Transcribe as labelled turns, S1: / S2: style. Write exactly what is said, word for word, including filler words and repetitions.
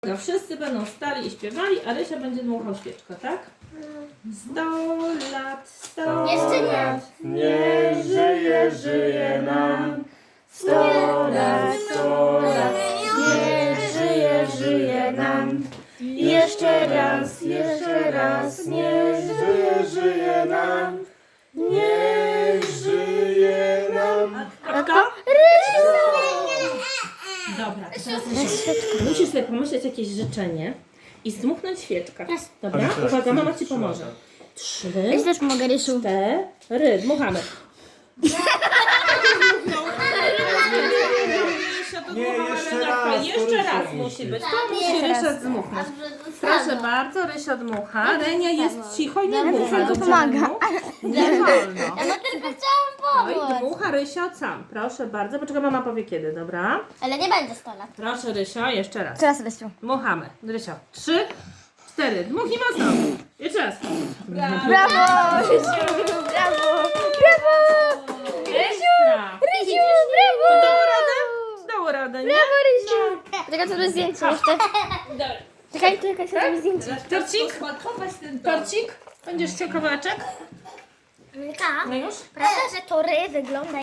S1: No, wszyscy będą stali i śpiewali, a Rysia będzie dmuchał świeczkę, tak? Sto lat, sto
S2: Jeszcze nie.
S1: lat,
S3: Nie żyje, żyje nam.
S1: sto lat, sto lat, nie żyje, żyje nam. Jeszcze raz, jeszcze raz, nie żyje, żyje nam.
S3: Nie żyje nam.
S1: A kto? Dobra, to teraz Rysiu, musisz sobie pomyśleć jakieś życzenie i zdmuchnąć świeczkę. Dobra?
S3: Ale teraz
S1: Uwaga, mama ci
S3: trzy
S1: pomoże.
S3: lata.
S1: Trzy,
S2: Ja też mogę rysu.
S1: cztery, dmuchamy.
S3: Nie, jeszcze
S1: Renata,
S3: raz, to
S1: jeszcze
S3: Rysia
S1: raz
S3: musi.
S1: musi być. To musi Rysia dmuchnąć. Proszę bardzo, Rysia dmucha. Renia jest cicho i nie dmucha.
S2: to
S1: Dobrze,
S2: pomaga.
S1: Reniu? Nie wolno.
S2: No tylko chciałam
S1: Oj,
S2: pomóc.
S1: dmucha Rysia od sam. Proszę bardzo. Poczekaj, mama powie kiedy, dobra?
S2: Ale nie będzie sto lat.
S1: Proszę Rysia, jeszcze raz.
S2: Teraz rysu.
S1: Dmuchamy. Rysio. Trzy, cztery. Dmuchnij mocno. Jeszcze raz.
S2: Brawo! Rysiu! Brawo! Brawo!
S1: Ekstra.
S2: Rysiu! Brawo!
S1: Dało radę? Dało radę, nie?
S2: Brawo, Rysiu! Czekaj, to zrobię zdjęcie jeszcze.
S1: Dobra.
S2: Czekaj, czekaj, zrobię zdjęcie.
S1: Torcik? Torcik? Będziesz chciał kawałeczek?
S2: Milka,
S1: No już?
S2: prawda, że to ry wygląda